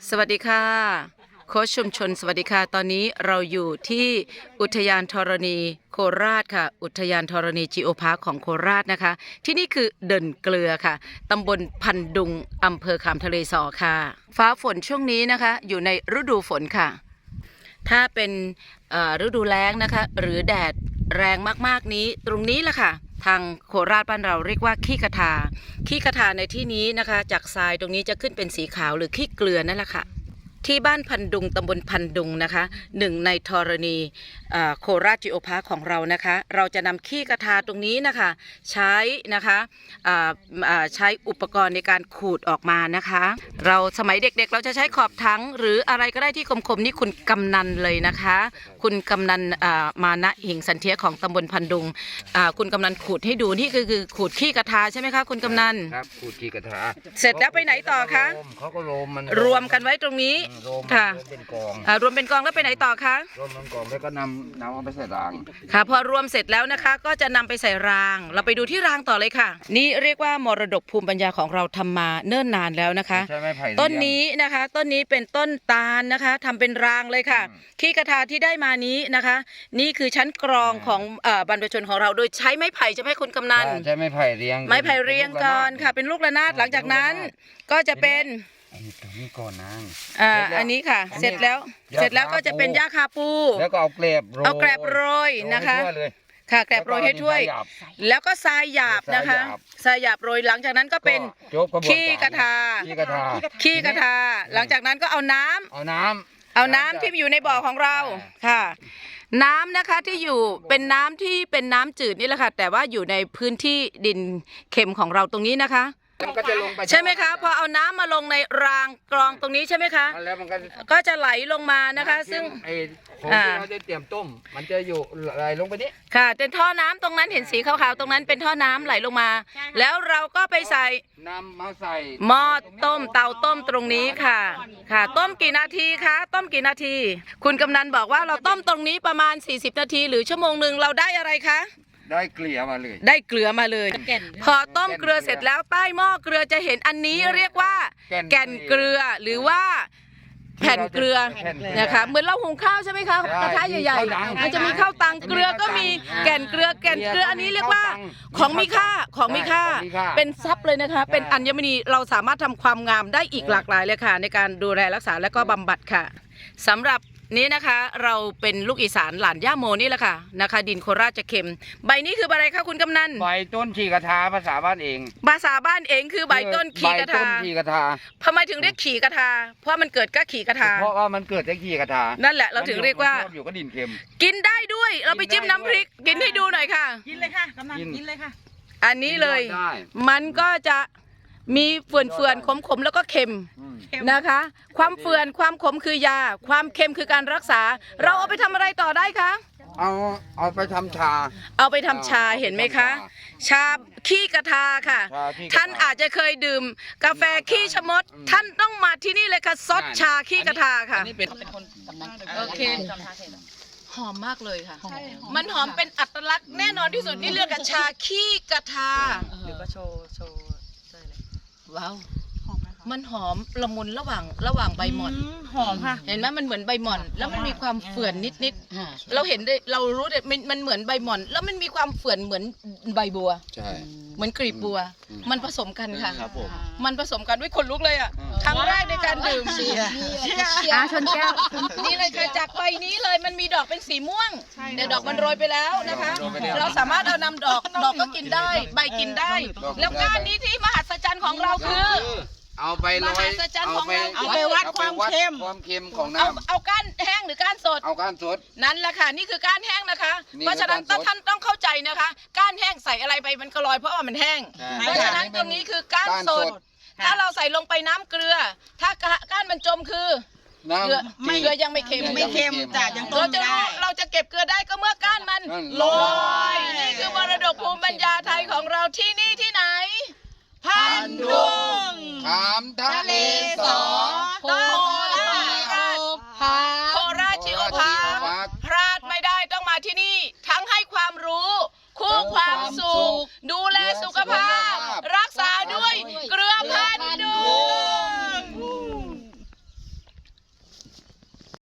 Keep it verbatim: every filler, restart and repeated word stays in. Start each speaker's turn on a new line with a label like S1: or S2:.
S1: สวัสดีค่ะโค้ชชุมชนสวัสดีค่ะตอนนี้เราอยู่ที่อุทยานธรณีโคราชค่ะอุทยานธรณีจีโอพาร์คของโคราชนะคะที่นี่คือเดินเกลือค่ะตำบลพันดุงอำเภอขามทะเลสอค่ะฟ้าฝนช่วงนี้นะคะอยู่ในฤดูฝนค่ะถ้าเป็นฤดูแล้งนะคะหรือแดดแรงมากๆนี้ตรงนี้แหละค่ะทางโคราชบ้านเราเรียกว่าขี้กระทาขี้กระทาในที่นี้นะคะจากทรายตรงนี้จะขึ้นเป็นสีขาวหรือขี้เกลือนั่นแหละค่ะที่บ้านพันดุงตำบลพันดุงนะคะหนึ่งในธรณีโคราชจีโอพาร์คของเรานะคะเราจะนำขี้กระทาตรงนี้นะคะใช้นะคะใช้อุปกรณ์ในการขูดออกมานะคะเราสมัยเด็กๆเราจะใช้ขอบถังหรืออะไรก็ได้ที่คมๆนี่คุณกำนันเลยนะคะคุณกำนันมานะหิงสันเทียของตำบลพันดุงคุณกำนันขูดให้ดูนี่คือคือขูดขี้กระทาใช่ไหมคะคุณกำนัน
S2: ครับขูดขี้กระทา
S1: เสร็จแล้วไปไหนต่อคะ
S2: เขาก็รวมมัน
S1: รวมกันไว้ตรงนี้ค่ะรวมเป็นกองรวมเป็นกองแล้วไปไหนต่อคะ
S2: รวมเป็นกองแล้วก็นำนำเอาไปใส่ราง
S1: ค่ะพอรวมเสร็จแล้วนะคะก็จะนำไปใส่รางเราไปดูที่รางต่อเลยค่ะนี่เรียกว่ามรดกภูมิปัญญาของเราทำมาเนิ่นนานแล้วนะคะต้นนี้นะคะต้นนี้เป็นต้นตาลนะคะทำเป็นรางเลยค่ะขี้กระทาที่ได้มานี้นะคะนี่คือชั้นกรองของบรรพชนของเราโดยใช้ไม้ไผ่จะให้คุณกำนัน
S2: ใช้ไม้ไผ่เรียง
S1: ไม้ไผ่เรียงก่อนค่ะเป็นลูกระนาดหลังจากนั้นก็จะเป็น
S2: อันนี้ตรงนี้ก่อนนาง
S1: อ่าอันนี้ค่ะเสร็จแล้วเสร็จแล้วก็จะเป็นหญ้าคาปู
S2: แล้วก็เอาแกลบโรย
S1: เอาแกลบโรยนะคะค่ะแกลบโรยให้ถ้วยแล้วก็ทรายหยาบนะคะทรายหยาบโรยหลังจากนั้นก็เป็นขี้กระทา
S2: ขี้กระทา
S1: ขี้กระทาหลังจากนั้นก็เอาน้ำ
S2: เอาน้
S1: ำเอาน้ำที่อยู่ในบ่อของเราค่ะน้ำนะคะที่อยู่เป็นน้ำที่เป็นน้ำจืดนี่แหละค่ะแต่ว่าอยู่ในพื้นที่ดินเค็มของเราตรงนี้นะคะใช่ไหมคะพอเอาน้ำมาลงในรางกรองตรงนี้ใช่ไหมคะ
S2: แล้วมันก็
S1: ก็จะไหลลงมานะคะซึ่ง
S2: ไอ้ของที่เราจะเตรียมต้มมันจะอยู่ไหลลงไปนี้
S1: ค่ะเป็นท่อน้ำตรงนั้นเห็นสีขาวๆตรงนั้นเป็นท่อน้ำไหลลงมาแล้วเราก็ไปใส่
S2: น้ำมาใส่
S1: หม้อต้มเตาต้มตรงนี้ค่ะค่ะต้มกี่นาทีคะต้มกี่นาทีคุณกำนันบอกว่าเราต้มตรงนี้ประมาณสี่สิบนาทีหรือชั่วโมงหนึ่งเราได้อะไรคะ
S2: ได้เกลือมาเลย
S1: ได้เกลือมาเลยพอต้มเกลือเสร็จแล้วใต้หม้อเกลือจะเห็นอันนี้เรียกว่าแก่นเกลือหรือว่าแผ่นเกลือนะคะเหมือนเราหุงข้าวใช่ไหมคะกระทะใหญ่ๆมันจะมีข้าวตังเกลือก็มีแก่นเกลือแก่นเกลืออันนี้เรียกว่าของมีค่าของมีค่าเป็นทรัพย์เลยนะคะเป็นอัญมณีเราสามารถทำความงามได้อีกหลากหลายเลยค่ะในการดูแลรักษาและก็บำบัดค่ะสำหรับนี้นะคะเราเป็นลูกอีสานหลานย่าโมนี่แหละค่ะนะคะดินโคราชจะเค็มใบนี้คืออะไรคะคุณกำนัน
S2: ใบต้นขี้กระทาภาษาบ้านเอง
S1: ภาษาบ้านเองคือใบต้นขี้กระทา
S2: ขี้กระทา
S1: ทำไมถึงเรียกขี้กระทาเพราะมันเกิดก็ขี้กระทา
S2: เพราะว่ามันเกิดจากขี้กระทา
S1: นั่นแหละเราถึงเรียกว่า
S2: อยู่ก็ดินเค็ม
S1: กินได้ด้วยเราไปจิ้มน้ำพริกกินให้ดูหน่อยค่ะ
S3: กินเลยค่ะกำนันกินเลยค่ะ
S1: อันนี้เลยมันก็จะมีเฟื่อนเฟื่อนขมขมแล้วก็เค็มนะคะความเฟื่อนความขมคือยาความเค็มคือการรักษาเราเอาไปทำอะไรต่อได้คะ
S2: เอาเอาไปทำชา
S1: เอาไปทำชาเห็นไหมคะชาขี้กระทาค่ะท่านอาจจะเคยดื่มกาแฟขี้ชะมดท่านต้องมาที่นี่เลยค่ะซดชาขี้กระทาค่ะโอเคหอมมากเลยค่ะมันหอมเป็นอัตลักษณ์แน่นอนที่สุดนี่เรียกกันชาขี้กระทา
S3: หรือว่าโชว์โชว์
S1: ว้าวมันหอมละมุนระหว่างระหว่างใบหม่อน
S3: หอมค่ะ
S1: เห็นไหมมันเหมือนใบหม่อนแล้วมันมีความเฟื่อนนิดๆเราเห็นได้เรารู้ได้มันเหมือนใบหม่อนแล้วมันมีความเฟื่อนเหมือนใบบัว
S2: ใช่
S1: เหมือนกลีบบัวมันผสมกันค่ะมันผสมกันด้วยคนลุกเลยอ่ะครั้งแรกในการดื่มเชียร์
S3: ชนแก้ว
S1: นี่เลยค่ะจากใบนี้เลยมันมีดอกเป็นสีม่วงแต่ดอกมันโรยไปแล้วนะคะเราสามารถเอานำดอกดอกก็กินได้ใบกินได้แล้วก้านนี้ที่มหัศจรรย์ของเราคือ
S2: เอาไปโรย
S1: เอาไป
S3: เอาไปวัดความเค็ม
S2: ความเค็มของน้
S1: ำเอาก้านแห้งหรือก้านสด
S2: เอาก้านสด
S1: นั่นแหละค่ะนี่คือก้านแห้งนะคะเพราะฉะนั้นท่านต้องเข้าใจนะคะก้านแห้งใส่อะไรไปมันก็ลอยเพราะว่ามันแห้งเพราะฉะนั้นตรงนี้คือก้านสดถ้าเราใส่ลงไปน้ำเกลือถ้าก้านมันจมคือเกลือไม่เกลือยังไม่เค็ม
S3: ไม่เค็มจ้ะยังต้ม
S1: ได้เราจะเก็บเกลือได้ก็เมื่อก้านมันลอยนี่คือมรดกภูมิปัญญาไทยของเราที่นี่ที่ไหน
S3: พันดุง
S2: ขามทะเลสอ